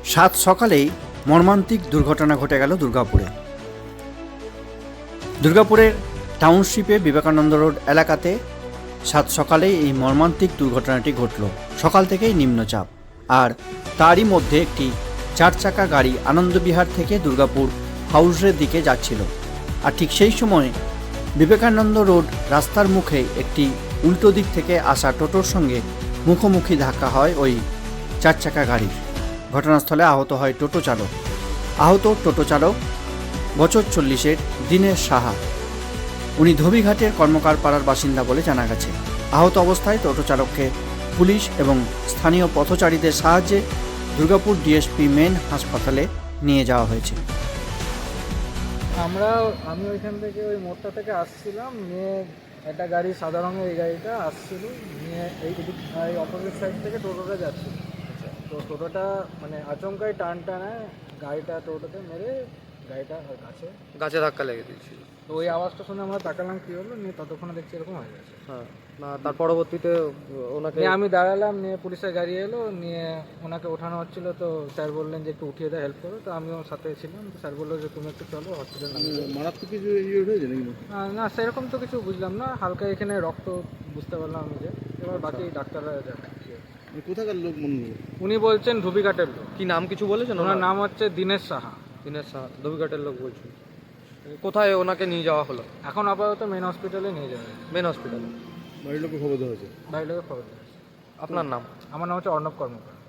সাত সকালেই মর্মান্তিক দুর্ঘটনা ঘটে গেল দুর্গাপুরের টাউনশিপে বিবেকানন্দ রোড এলাকাতে সাত সকালেই এই মর্মান্তিক দুর্ঘটনাটি ঘটল। সকাল থেকেই নিম্নচাপ, আর তারই মধ্যে একটি 4 চাকা গাড়ি আনন্দবিহার থেকে দুর্গাপুর হাউসের দিকে যাচ্ছিল। আর ঠিক সেই সময় বিবেকানন্দ রোড রাস্তার মুখে একটি উল্টো দিক থেকে আসা টোটোর সঙ্গে মুখোমুখি ধাক্কা হয় ওই 4 চাকা গাড়ির। ঘটনাস্থলে আহত হয় টোটো চালক। আহত টোটো চালক বছর 40-এর দীনেশ সাহা। উনি ধোবিঘাটের কর্মকার পাড়ার বাসিন্দা বলে জানা গেছে। আহত অবস্থায় টোটো চালককে পুলিশ এবং স্থানীয় পথচারীদের সাহায্যে দুর্গাপুর ডিএসপি মেন হাসপাতালে নিয়ে যাওয়া হয়েছে। আমি ওইখান থেকে ওই মোড়টা থেকে আসছিলাম, নিয়ে একটা গাড়ি সাদা রঙের, এই গাড়িটা আসছিল, নিয়ে এই অপোজিট সাইড থেকে টোটোটা যাচ্ছিল। তো টোটোটা মানে আচমকাই টানটা নেয়, গাড়িটা টোটোতে মেরে গাড়িটা গাছে ধাক্কা লেগে দিয়েছিল। তো ওই আওয়াজটা শুনে আমরা তাকালাম কী হলো, নিয়ে ততক্ষণে দেখছি এরকম হয়ে গেছে। হ্যাঁ, না তার পরবর্তীতে ওনাকে আমি দাঁড়ালাম, নিয়ে পুলিশের গাড়ি এলো, নিয়ে ওনাকে ওঠানো হচ্ছিল। তো স্যার বললেন যে একটু উঠিয়ে দেয়, হেল্প করো। তো আমিও সাথে ছিলাম। তো স্যার বললো যে তুমি একটু চলো হসপিটাল। মারাত্মক কিছু হয়েছে নাকি? না, সেরকম তো কিছু বুঝলাম না, হালকা এখানে রক্ত বুঝতে পারলাম আমি। যে এবার বাকি ডাক্তাররা দেখাচ্ছে। কোথাকার লোক মনে হলো? উনি বলছেন ধুবিঘাটের লোক। কি নাম কিছু বলেছেন? ওনার নাম হচ্ছে দীনেশ সাহা। দীনেশ সাহা, ধোবিঘাটের লোক বলছেন। কোথায় ওনাকে নিয়ে যাওয়া হলো? এখন আপাতত মেন হসপিটালে নিয়ে যাবে। মেন হসপিটালে। বাড়ির লোকে খবর দেওয়া হয়েছে? বাইরে খবর দেওয়া আছে। আপনার নাম? আমার নাম হচ্ছে অর্ণব কর্মকার।